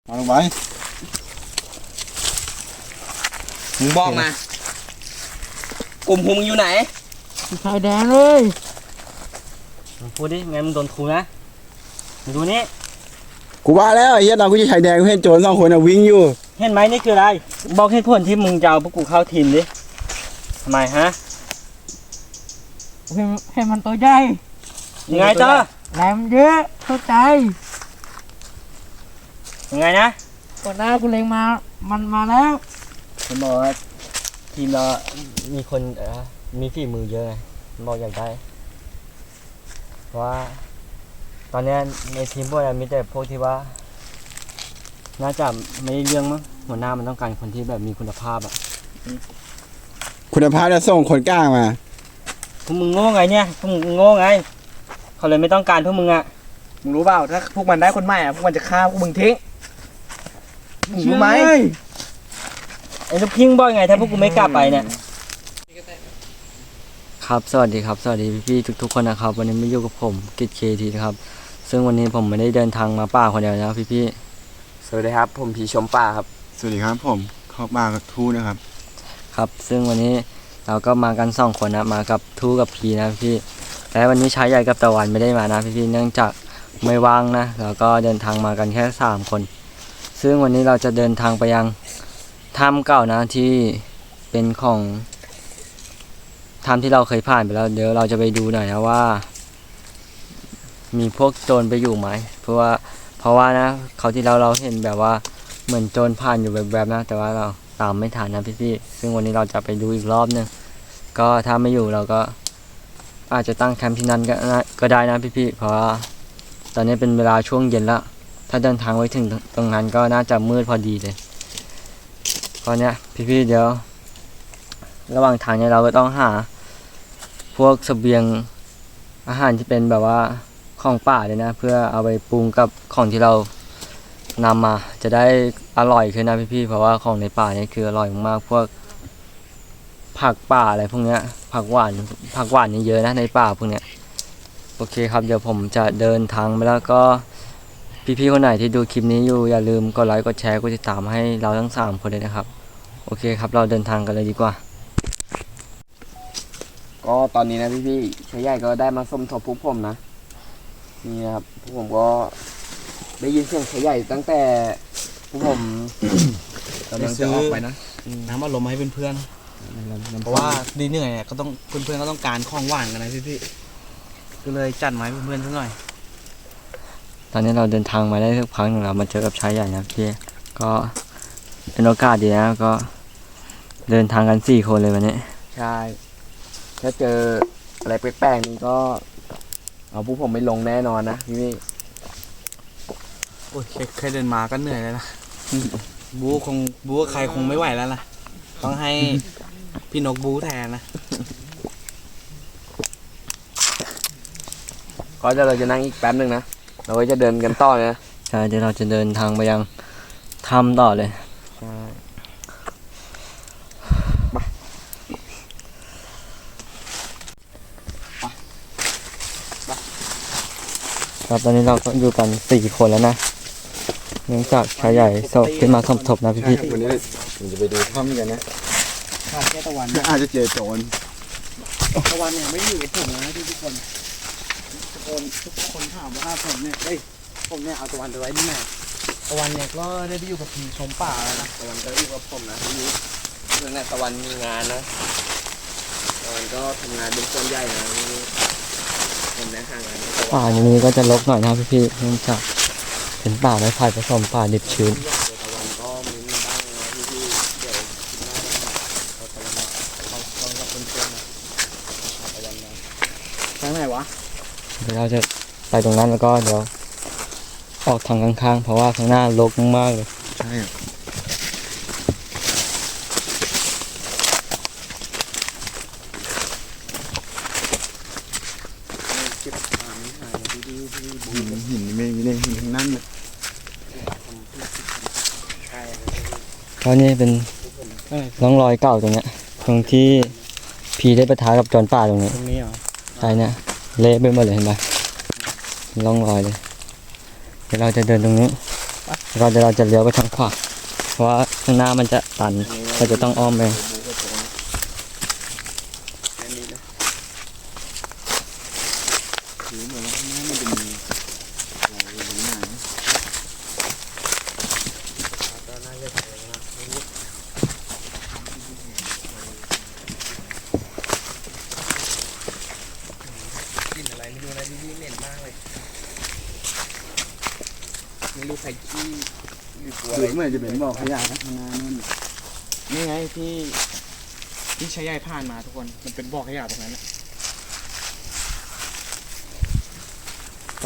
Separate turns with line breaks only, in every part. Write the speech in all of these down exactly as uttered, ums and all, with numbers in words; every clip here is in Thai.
เอาลงไปมึงบอกมากลุ่มหุงอยู่ไหน
ชายแดงเลย
มึงพูดดิไงมึงโดนครูนะมึงดูนี่
กูว่าแล้วไอ้เหี้ยตอนกูจะชายแดงกูเห็นโจรสองคนอะวิ่งอยู่
เห็นไหมนี่คืออะไรบอกเหตุผลที่มึงจะเอาพวกกูเข้าทีมดิทำไมฮะ
เห็นเห็นมันตัวใหญ่
ยังไงต่อ
แรงเยอะเข้าใจ
ยังไงนะ
ก่อนหน้ากูเล็งมามันมาแล้ว
ผมบอกว่าทีมเรามีคนเออมีฝีมือเยอะไงผมบอกอยากได้เพราะว่าตอนนี้ในทีมพวกเรามีแต่พวกที่ว่าน่าจะไม่ได้เรื่องมั้งหัวหน้ามันต้องการคนที่แบบมีคุณภาพอ่ะ
คุณภาพจะส่งคนกล้ามา
พวกมึงโง่ไงเนี่ยพวกมึงโง่ไงเขาเลยไม่ต้องการพวกมึงอ่ะ
มึงรู้เปล่าถ้าพวกมันได้คนใหม่อ่ะพวกมันจะฆ่าพวกมึงทิ้งมึงรู้ไหม
ไอ้ลูกพิงบอกไงถ้าพวกกูไม่กลับไปเนี่ยครับสวัสดีครับสวัสดีพี่ๆทุกๆคนนะครับวันนี้มาอยู่กับผมกิจเคทีนะครับซึ่งวันนี้ผมไม่ได้เดินทางมาป่าคนเดียวนะพี่ๆ
สวัสดีครับผมผีชมป่าครับ
สวัสดีครับผมเข้ามากับทูนะครับ
ครับซึ่งวันนี้เราก็มากันสองคนนะมากับทูกับพีนะพี่และวันนี้ชายใหญ่กับตะวันไม่ได้มานะพี่ๆเนื่องจากไม่ว่างนะแล้วก็เดินทางมากันแค่สามคนซึ่งวันนี้เราจะเดินทางไปยังถ้ำเก่านะที่เป็นของถ้ำที่เราเคยผ่านไปแล้วเดี๋ยวเราจะไปดูหน่อยนะว่ามีพวกโจรไปอยู่ไหมเพราะว่าเพราะว่านะเขาที่เราเราเห็นแบบว่าเหมือนโจรผ่านอยู่แบบๆนะแต่ว่าเราตามไม่ทันนะพี่ๆซึ่งวันนี้เราจะไปดูอีกรอบนึงก็ถ้าไม่อยู่เราก็อาจจะตั้งแคมป์ที่นั่นก็ได้นะพี่ๆเพราะว่าตอนนี้เป็นเวลาช่วงเย็นแล้วถ้าเดินทางไว้ถึงตรงนั้นก็น่าจะมืดพอดีเลยตอนนี้พี่ๆเดี๋ยวระหว่างทางเนี่ยเราก็ต้องหาพวกเสบียงอาหารที่เป็นแบบว่าของป่าเลยนะเพื่อเอาไปปรุงกับของที่เรานำมาจะได้อร่อยขึ้นนะพี่ๆเพราะว่าของในป่าเนี่ยคืออร่อยมากพวกผักป่าอะไรพวกเนี้ยผักหวานผักหวานนี่เยอะนะในป่าพวกเนี้ยโอเคครับเดี๋ยวผมจะเดินทางไปแล้วก็พี่ๆคนไหนที่ดูคลิปนี้อยู่อย่าลืมกดไลค์กดแชร์กดติดตามให้เราทั้งสามคนเลยนะครับโอเคครับเราเดินทางกันเลยดีกว่า
ก็ตอนนี้นะพี่ๆชายใหญ่ก็ได้มาสมทบพวกผมนะนี่นะครับพวกผมก็ได้ยินเสียงชายใหญ่ตั้งแต่พวกผมกำลังจะออกไปนะ
น้ำอารมณ์ให้เพื่อนๆเพราะว่าดีเหนื่อยก็ต้องเพื่อนๆก็ต้องการของหวานกันนะพี่ๆก็เลยจัดมาให้เพื่อนๆสักหน่อย
ตอนนี้เราเดินทางมาได้สักพักหนึ่งแล้วมาเจอกับชายใหญ่นะพี่ก็เป็นโอกาสดีนะก็เดินทางกันสี่คนเลยวันนี้
ใช่ถ้าเจออะไรแปลกๆนี่ก็เอาพวกผมไม่ลงแน่นอนนะพี่
โอ้ยแค่เดินมาก็เหนื่อยแล้วนะบู๊คงบู๊ใครคงไม่ไหวแล้วล่ะต้องให้พี่นกบู๊แทนนะ
ก็จะเราจะนั่งอีกแป๊บนึงนะเราก็จะเดินกันต่อนะ
ใช่เดี๋ยวเราจะเดินทางไปยังถ้ำต่อเลย
ใช่
ครับตอนนี้เราก็อยู่กันสี่คนแล้วนะเนื่องจากชายใหญ่สอบขึ้นมาสมทบนะพี่
ๆวันนี้ผมจะไปดูถ้ำกันนะ
ขาดแค่ตะวัน
อาจจะเจอโจร
ตะวันเนี่ยไม่อยู่กับผมนะทุกคนทุกคนทุกคนถามว่าผมเนี่ยเฮ้ยผมเนี่ยเอาตะวันไปไว้ที่ไหนตะวันเนี่ยก็ได้ไปอยู่กับผีชมป่าแล้วนะตะวันก็อยู่กับผมนะที่นี้เรื่องนี้ตะวันมีงานนะตะวันก็ทำงานเป็นส่วนใหญ่นะผมเนี่ยห่างกัน
ป่าอย่างนี้ก็จะรกหน่อยนะพี่ๆเนื่องจากเป็นป่าไม้ไผ่ผสมป่าดิบชื้น
ตะวันก็มีบ้างนะพี่ๆเดี๋ยวคิดหน้าเราตะวันเราเรากับเพื่อนๆนะตะวันนะทางไหนวะ
เดี๋ยวเราจะไปตรงนั้นแล้วก็เดี๋ยวออกทางข้างๆเพราะว่าข้างหน้ารกมากเลย
ใช่หินไม่ไม่ได้หินทั้งนั้นเลย
เพราะนี่เป็นร่องรอยเก่าตรงเนี้ยตรงที่พีได้ปะทะกับจอนป่าตรงนี้
ตรงนี้เหรอ
ใช่เนี่ยเละไปหมดเลยเห็นไหมร่องรอยเลยเดี๋ยวเราจะเดินตรงนี้เราจะเราจะเลี้ยวไปทางขวาเพราะว่าข้างหน้ามันจะตันเราจะต้องอ้อมไป
แค่นี้นะถือเหมือนว่าข้างหน้ามันจะมีอะไรอยู่ข้างหน้านะก็น่าจะเจอนะกลิ่นอะไรไม่รู้นะพี่เหม็นมากเลยไม่รู้ใครขี้หรือตัวอะไรเหมือนจะเป็นบ่อขยะนะข้างหน้านู่น
นี่ไงที่ที่ใช้ใยผ่านมาทุกคนมันเป็นบ่อขยะตรงนั้นนะไป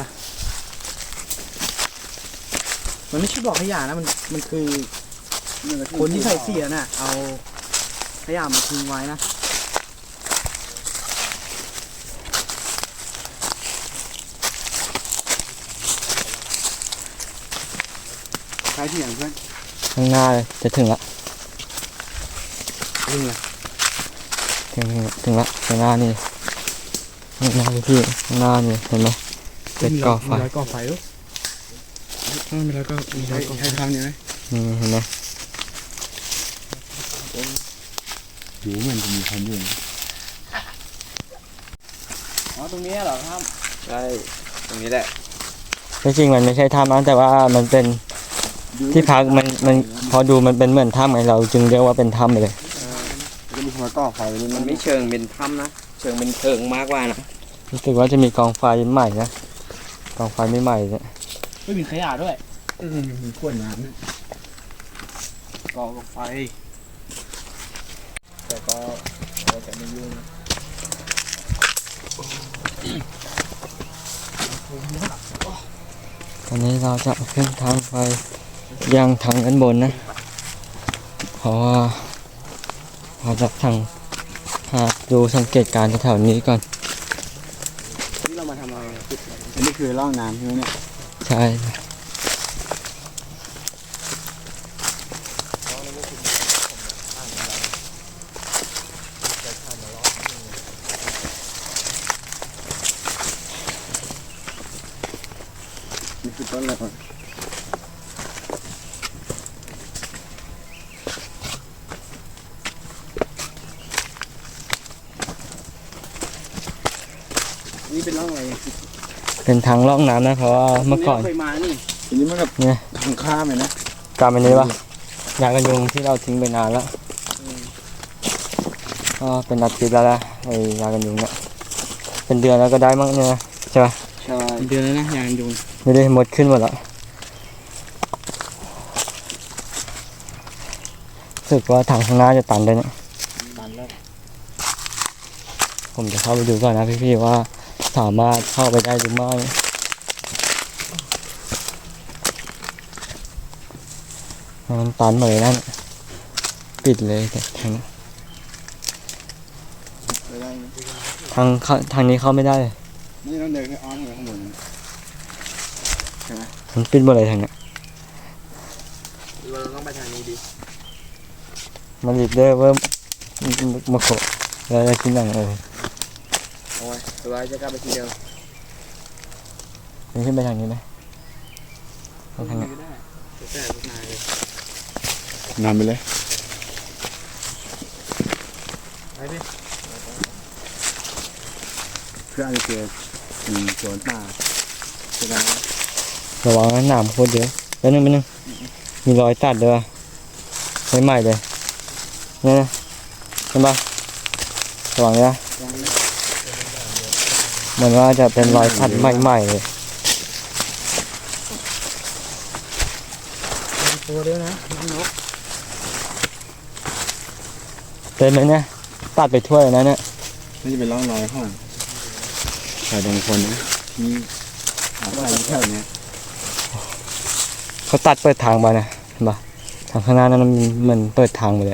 มันไม่ใช่บ่อขยะนะมันมันคือคนที่ใส่เสียน่ะเอาขยะมาทิ้งไว้นะ
ใครที่อย่างเพื่อน
ข้างหน้าเลยจะถึงละ
นี่ไง
ถึงถึงละข้างหน้านี่ข้างหน้าเลยพี่ข้างหน้านี่เห็นไหมเป็นก่อไฟ
มีรอยก่อไฟด้วยมีรอยก่อมีร
ใช่
อยก่อไฟ
ใช่ทางนี้ไหม
นี่เห็นไหม
หูเหมือนจะมีคนอยู่อ๋อตรงนี้เหรอครับใช่ตรงนี้แหละ
ที่จริงมันไม่ใช่ถ้ำนะแต่ว่ามันเป็นที่พักมันมันพอดูมันเป็นเหมือนถ้ำไงเราจึงเรียกว่าเป็นถ้ำไปเลย
จะมีคนก่อไฟนี่
มั
มัน น
ไม่
ไม่
เชิงเป็นถ้ำนะเชิงเป็นเพิงมากกว่านะ
รู้สึกว่าจะมีกองไฟใหม่นะกองไฟไม่ใหม่เนี่ย
ไม่มีขยะด้วย
อืมมีขวดน้ำนะ
ก่อไฟแต่ก็เราจะไม่ยุ่ง
ตอนนี้เราจะขึ้นทางไฟยังทางด้านบนนะเพราะว่าเราจะทางหาดูสังเกตการณ์แถวๆนี้ก่อน
นี่เรามาทำอะไรจุดอันนี้คือร่องน้ำใช่ไหมเนี่ย
ใช่
นี่คือต้นอะไรก่อนนี่เป็นร่องอะไร
เป็นทางล่องน้ำนะเพราะว่าเมื่อก่อน
เคยมานี่ทีนี้มันกับ
เนี่ย
ทางข้ามเลยนะ
กลับมานี้ปะยากันยุงที่เราทิ้งไปนานแล้วก็เป็นอาทิตย์แล้วนะไอ้ยากันยุงเนี่ยเป็นเดือนแล้วก็ได้มั้งเนี่ยนะใช่ปะ
ใช่
เดือนแล้วนะยางยุง
ไม่ได้หมดขึ้นหมดแล้วรู้สึกว่าทางข้างหน้าจะตันเลยเนี่ย
ตันแล้ว
ผมจะเข้าไปดูก่อนนะพี่ๆว่าสามารถเข้าไปได้หรือไม่มันตันหมดเลยนั่นปิดเลยแต่ทางนี้
ไปได้ไหม
ทางเข้าทางนี้เข้าไม่ได้เลย
นี่ต้องเดินแค่อ้อมไปข้างบนใช่ไหม
มันปิดหมดเลยทางนี้
เราต้องไปทางนี้ดิ
มันหลีบได้เพิ่มมาโขแล้วจะกินอย่างเออ
โอ้ยตัวจะกลับไปทีเดียว
มันขึ้นไปทางนี้ไหมไปทางนี้
ไม่ได้แต่ลูกนายเลย
นำไปเลย
ไปดิ
เพื่ออาจจะเจออืมสวนป่าจะได้
ระวังนะหนามโคตรเยอะแล้วนึงไปนึงมีรอยตัดด้วยว่ะไม่ใหม่เลยเนี่ยนะเห็นปะระวังนะเหมือนว่าจะเป็นรอยตัดใหม่ๆเลย
ตัวเดียวนะนก
เต็มเลยเนี่ยตัดไปทั่วเลยนะเนี่ย
นี่จะเป็นร่องรอยของชายบางคนนะที่หาอะไรแถวเนี้ย
เขาตัดเปิดทางมานะเห็นปะทางข้างหน้านั้นมันเหมือนเปิดทางไปเลย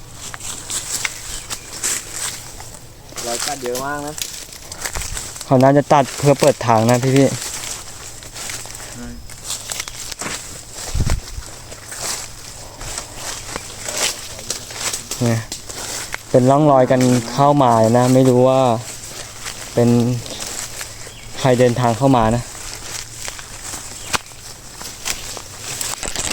รอยกัดเยอะมากนะ
เขาน่าจะตัดเพื่อเปิดทางนะพี่พี่เนี่ยเป็นร่องรอยกันเข้ามานะ ไม่รู้ว่าเป็นใครเดินทางเข้ามานะ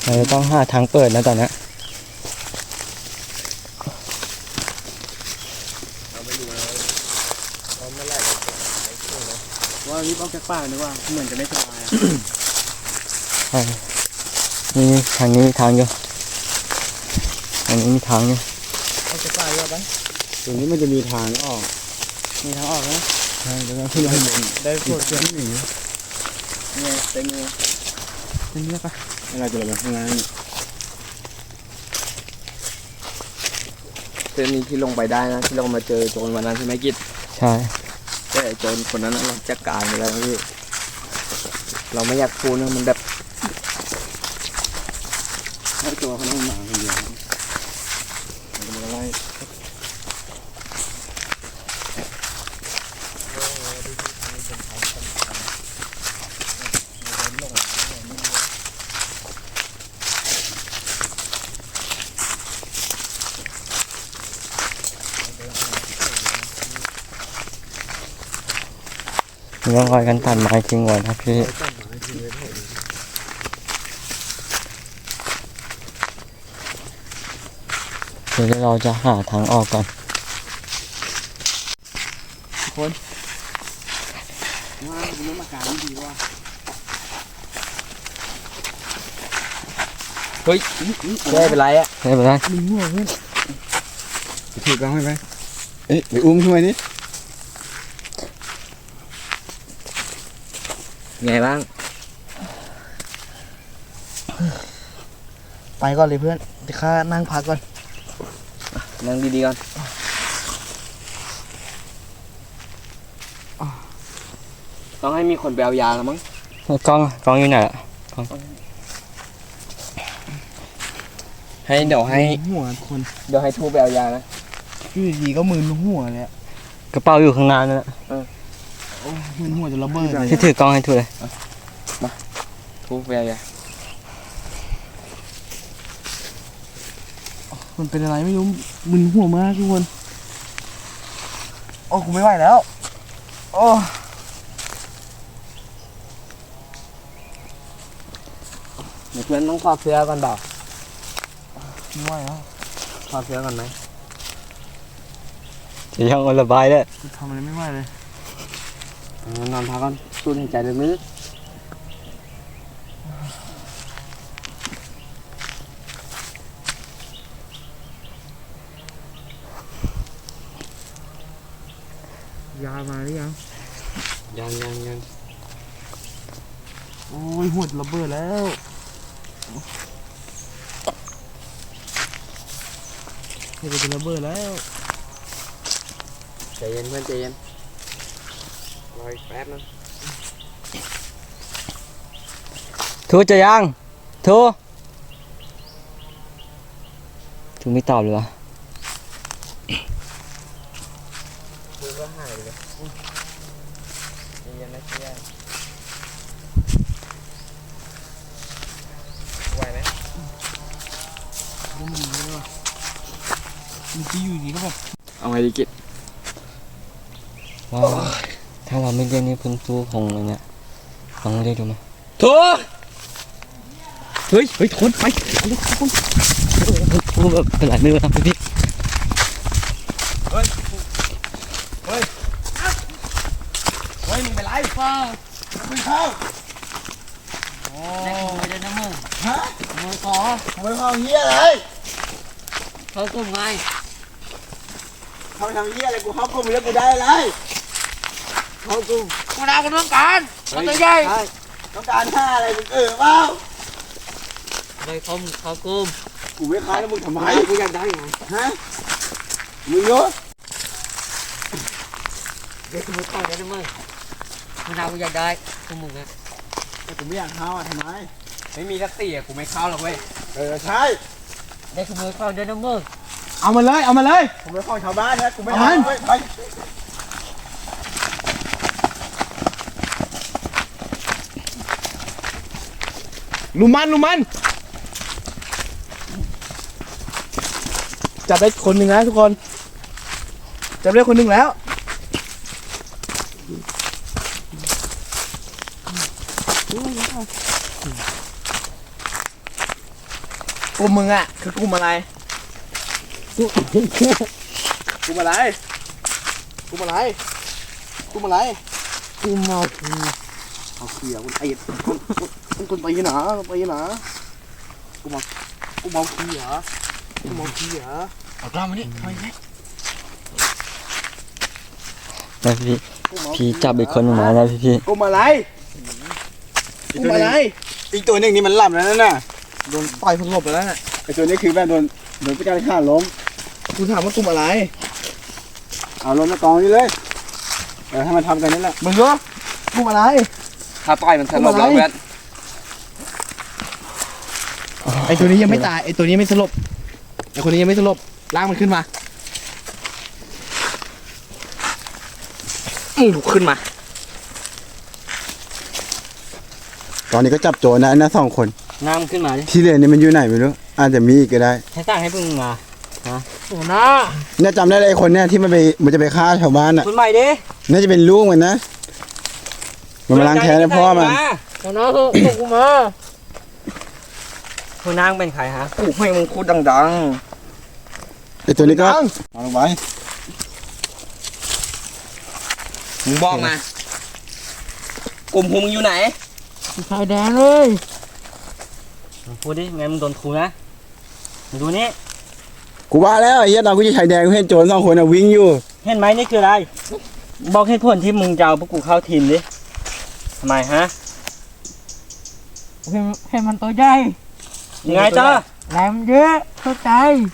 เราจะต้องหาทางเปิดนะตอนนี้
ว่ารีบออกจากป่าดีกว่าเหมือนจะได้สบายอะ
ใช่นี่ทางนี้มีทางอยู่ทางนี้มีทางอยู่
ออกจากป่าดีกว่าไป
ตรงนี้มันจะมีทางออก
มีทางออกนะ
ใช่แล้วก็ขึ้นไปข้างบน
ได้
ป
ป
ว
ว
ด
ด
เสียงหนี
เนี่ยเต็งเลยเป็นเรื่องปะ
เราจะลงไปข้างล่าง
เส้นนี้ที่ลงไปได้นะที่เรามาเจอโจรวันนั้นใช่ไหมกิจ
ใช่
แต่ไอ้โจรคนนั้นน่ะเราจัดการไปแล้วนะพี่เราไม่อยากพูดนะมันแบบ
ถ้าตัวเขาต้องมาคนเดียวมันจะมาไล่
มีร่องรอยการตัดไม้ทิ้งไว้นะพี่เดี๋ยวเราจะหาทางออกก่อน
ว่าคุณต้องมาการดีว่า
เฮ้ยไม่เป็นไรอะ
ไม่เป็นไร
มึงหัวเพื่อนถือกล้องให้ไหมเอ๊ะไปอุ้มช่วยนี่
ไงบ้าง
ไปก่อนเลยเพื่อนเดี๋ยวข้านั่งพักก่อน
นั่งดีๆก่อนต้องให้มีคนไปเอายาแล้วมั้ง
กล้องกล้องอยู่ไหนอะ
ให้เดี๋ยวให้
หัวคน
เดี๋ยวให้ทูไปเอายานะ
อยู่ดีๆก็มึนหัวเลยอะ
กระเป๋าอยู่ข้างหน้านั่นแหละ
มึนหัวจะระเบิดเลย
ที่ถือกล้องให้ถูกเลย
ทูไปเอายา
มันเป็นอะไรไม่รู้มึนหัวมากทุกคนโอ้กูไม่ไหวแล้วโอ้
เดี๋ยวเพื่อนต้องถอดเสื้อก่อนเปล่า
ไม่ไหวแล้ว
ถอดเสื้อก่อนไหม
จะยังเอาระบายเลย
กูทำอะไรไม่ไหวเลย
เอานอนพักก่อนสูดหายใจลึกๆ
ยามาหรือยัง
ยังยังยัง
โอ้ยหัวจะระเบิดแล้วหัวจะระเบิดแล้ว
ใจเย็นเพื่อนใจเย็นรออีกแป๊บนึง
ทูจะยังทูทูไม่ตอบเลยวะ
ทูก็หายไปเลยใจเย็นนะเชียร์ไหวไหม
ก็มึนเลยว่ะมึงที่อยู่ดีก็แบบ
เอาไงดีกิจ
ว้าวถ้าเราไม่เรียกนี่เพิ่งทูคงเลยเนี่ยลองเรียกดูไหม
ทูเฮ้ยเฮ้ยทนไป
ทูแบบเป็นไรไม่รู้นะพี่
เฮ้ยเฮ้ยมึงเป็นไรเปล่ามึงเข้า
แม่ขโมยได้นะมึง
ฮะ
ขโมยขอ
มึงเข้าเหี้ยอะไร
เขากลุ่มไง
เข้าไปทำเหี้ยอะไรกูเข้ากลุ่มแล้วกูได้อะไรเข้ากลุ่ม
กูดาวกูต้องการมันตัวใหญ่
ใช่ต้องการห้าอะไรมึงเออเปล่า
เลยเขาเขากลุ่ม
กูไม่ค้าแล้วมึงทำไมกูอยากได้ไงฮะมึงเนาะ
เด็กขโมยของได้นะมึงมันเอากูอยากได้กูมึงนะ
แต่กูไม่อยากเข้าอ่ะทำไมไม่มีสักตีอ่ะกูไม่เข้าหรอกเว้ยเออใช่
เด็กขโมยของได้นะมึง
เอามาเลยเอามาเลยผมเป็นของชาวบ้านนะกูไม่เอาเว้ยไปลุมมันลุมมันจับได้คนหนึ่งนะทุกคนจับได้คนหนึ่งแล้วกลุ่มมึงอ่ะคือกลุ่มอะไรกลุ่มอะไรกลุ่มอะไรกลุ่มอะไร
กูเมา
เอาเขียวคุณไอ้คนคนคนไปหนาไปหนากูมากูเมาขี้เหรอกูเมาขี้เหรอเอากล้ามมาดิทำไมเนี่ย
นะพี่พี่จับอีกคนหนึ่งมานะพี่พี่
กูมาอะไรกูมาอะไร
อีกตัวหนึ่งนี่มันหลับแล้วนั่นน่ะ
โดนต่อยพังงบไปแล้วน่ะ
ไอตัวนี้คือแบบโดนโดนพิการฆ่าล้ม
กูถามว่ากูมาอะไร
เอาล้มมากองนี่เลยเออให้มันทำกันนั่นแหละ
มึงเหรอกูมาอะไร
ถ้าต่อยมันสลบแล้วเพื่อน
ไอ้ตัวนี้ยังไม่ตายไอ้ตัวนี้ไม่สลบไอ้คนนี้ยังไม่สลบลากมันขึ้นมาอือขึ้นมา
ตอนนี้ก็จับโจรนะนะสองคน
น้ำขึ้นมาดิ
ที่เหลือนี่มันอยู่ไหนไม่รู้อาจจะมีอีกก็ได้
ให้สั่งให้พึ่งมา
โอ้นะ
เนี่ยจำได้เลยไอ้คนเนี่ยที่มันไปมันจะไปฆ่าชาวบ้านอ่ะ
คุณใหม่ดิ
น่าจะเป็นลูกมันนะมันมาล้างแค้นให้พ่อมัน
โอ้นะส่งส่งกูมา
คุณนางเป็นใครฮะ
กูให้มึงพูดดัง
ไอตัวนี้ก็เอาลงไว้
ๆมึงบอกมากลุ่มพวกมึงอยู่ไหน
ชายแดนเลย
มึงพูดดิไงมึงโดนครูนะมึงดูนี่
กูว่าแล้วไอ้เหี้ยตอนกูจะชายแดงกูเห็นโจรสองคนอ่ะวิ่งอยู่
เห็นไหมนี่คืออะไร บอกเหตุผลที่มึงจะเอาพวกกูเข้าทีมดิทำไมฮะ
เห็นเห็นมันตัวใหญ่
ยังไงจ้า
แรงมันเยอะเข้าใจ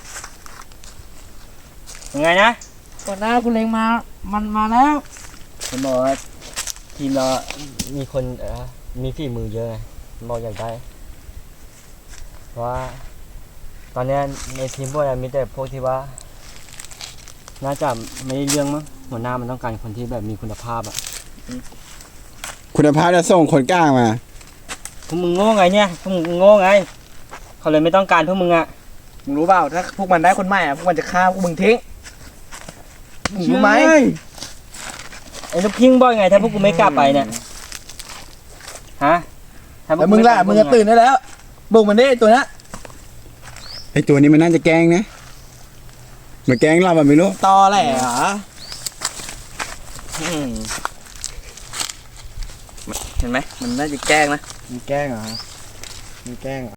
ยังไงนะ
ก่อนหน้ากูเล็งมามันมาแล้ว
ผมบอกว่าทีมเรามีคนเออมีฝีมือเยอะไงผมบอกอยากได้เพราะว่าตอนเนี้ยในทีมพวกเรามีแต่พวกที่ว่า น่าจะไม่ได้เรื่องมั้งหัวหน้ามันต้องการคนที่แบบมีคุณภาพอ่ะ
คุณภาพจะส่งคนกล้างมา
พวกมึงโง่ไงเนี่ยพวกมึงโง่ไงเขาเลยไม่ต้องการพวกมึงอ่ะ
มึงรู้เปล่าถ้าพวกมันได้คนใหม่อ่ะพวกมันจะฆ่าพวกมึงทิ้งมึงรู้ไหม
ไอ้ลูกพิงบอกไงถ้าพวกกูไม่กลับไปเนี่ยฮะถ้าพวก
แล้วมึงล่ะ
ไกบ
มึงก็ตื่นได้แล้วบุกมันได้ตัวนั้น
ไอตัวนี้มันน่าจะแกล้งนะมันแกล้งเราแบบไม่รู้
ตอแหละเหรออืมเห็นไหมมันน่าจะแกล้งนะ
มันแกล้งเหรอมันแกล้งเหรอ